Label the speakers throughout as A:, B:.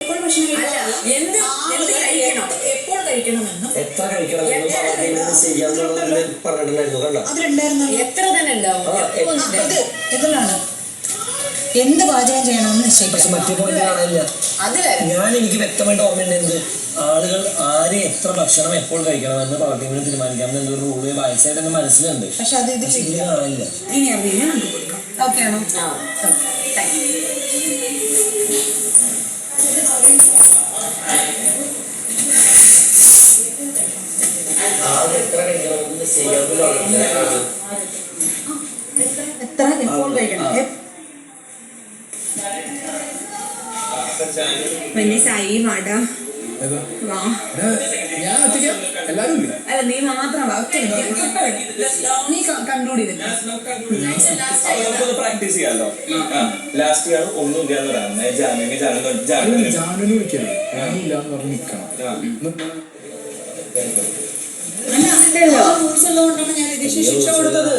A: എപ്പോൾ കഴിക്കണമെന്നും
B: എത്ര കഴിക്കണമെന്നും പറഞ്ഞിട്ടുണ്ടായിരുന്നു. കണ്ടോ
A: അതിലുണ്ടായിരുന്നു.
C: എത്ര തന്നെ ഉണ്ടാവും.
A: ഇതിലാണ് എന്ത് പാചകം ചെയ്യണമെന്ന് നിശ്ചയിക്കും.
B: പക്ഷെ മറ്റേ പോയിന്റ് കാണാനില്ല. ഞാൻ എനിക്ക് വ്യക്തമായിട്ട് ഓർമ്മയുണ്ട് എന്ത് ആളുകൾ ആര് എത്ര ഭക്ഷണം എപ്പോൾ കഴിക്കണമെന്ന് പ്രവർത്തികൾ തീരുമാനിക്കാമെന്ന് എന്തൊരു റൂള് വായിച്ചായിട്ട് എന്റെ മനസ്സിലുണ്ട്.
A: പക്ഷെ അത് ഇതിൽ
B: കാണാനില്ല.
A: ഇനി അറിയില്ല. ഓക്കെ ആണോ? എത്ര എപ്പോൾ കഴിക്കണം?
C: സായി വാടാ വാ. അല്ല നീ മാത്രം നീ കൺക്ലൂഡ് ചെയ്തില്ല.
D: പ്രാക്ടീസ് ചെയ്യാലോ. ലാസ്റ്റ് ഇയർ ഒന്നും ഇല്ലാന്ന് പറയാം.
A: റൂൾസ് ഉള്ളതുകൊണ്ടാണ് ഞാൻ ശിക്ഷ കൊടുത്തത്.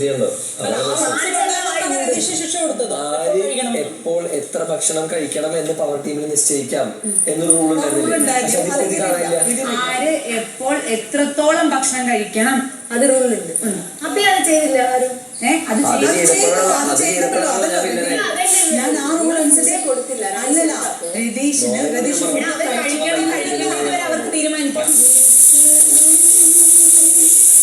B: എപ്പോൾ എത്ര ഭക്ഷണം കഴിക്കണം എന്ന് പവർ ടീമിൽ നിശ്ചയിക്കാം എന്നൊരു റൂൾ ഉണ്ടായിരുന്നില്ല.
C: ആര് എപ്പോൾ എത്രത്തോളം ഭക്ഷണം കഴിക്കണം അത് റൂളുണ്ട്. അപ്പൊ അത് ചെയ്തില്ല ആരും.
A: ഞാൻ ആ റൂൾ അനുസരിച്ച് കൊടുത്തില്ല. അല്ലല്ല രതീഷിന്